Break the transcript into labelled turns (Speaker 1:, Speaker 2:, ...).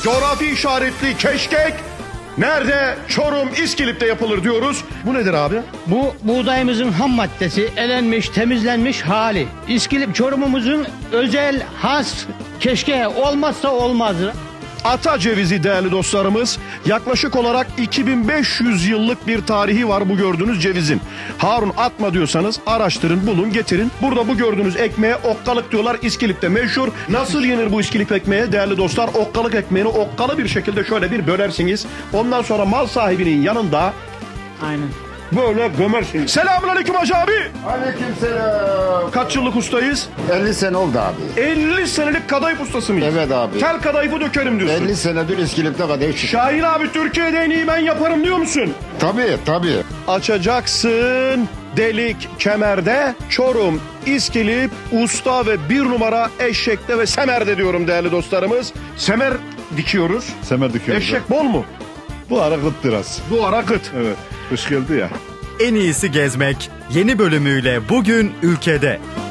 Speaker 1: coğrafi işaretli keşkek nerede? Çorum İskilip'te yapılır diyoruz. Bu nedir abi?
Speaker 2: Bu buğdayımızın ham maddesi, elenmiş, temizlenmiş hali. İskilip Çorum'umuzun özel, has keşke olmazsa olmazı.
Speaker 1: Ata cevizi değerli dostlarımız. Yaklaşık olarak 2500 yıllık bir tarihi var bu gördüğünüz cevizin. Harun atma diyorsanız araştırın, bulun, getirin. Burada bu gördüğünüz ekmeğe okkalık diyorlar. İskilip'te meşhur. Nasıl yenir bu İskilip ekmeğe değerli dostlar? Okkalık ekmeğini okkalı bir şekilde şöyle bir bölersiniz. Ondan sonra mal sahibinin yanında
Speaker 2: Aynen.
Speaker 1: böyle gömersiniz. Selamünaleyküm Hacı abi.
Speaker 3: Aleykümselam.
Speaker 1: Kaç yıllık ustayız?
Speaker 3: 50 sene oldu abi.
Speaker 1: 50 senelik kadayıf ustası mıyız?
Speaker 3: Evet abi.
Speaker 1: Tel kadayıfı dökerim diyorsun.
Speaker 3: 50 senedir İskilip'te kadayıf çıkıyor.
Speaker 1: Şahin abi Türkiye'de en iyi ben yaparım diyor musun?
Speaker 3: Tabii.
Speaker 1: Açacaksın delik kemerde, Çorum, İskilip, usta ve bir numara eşekte ve semerde diyorum değerli dostlarımız. Semer dikiyoruz.
Speaker 4: Semer dikiyoruz.
Speaker 1: Eşek bol mu?
Speaker 4: Bu ara kıt biraz.
Speaker 1: Bu ara kıt.
Speaker 4: Evet. Kış geldi ya.
Speaker 5: En iyisi gezmek yeni bölümüyle bugün ülkede.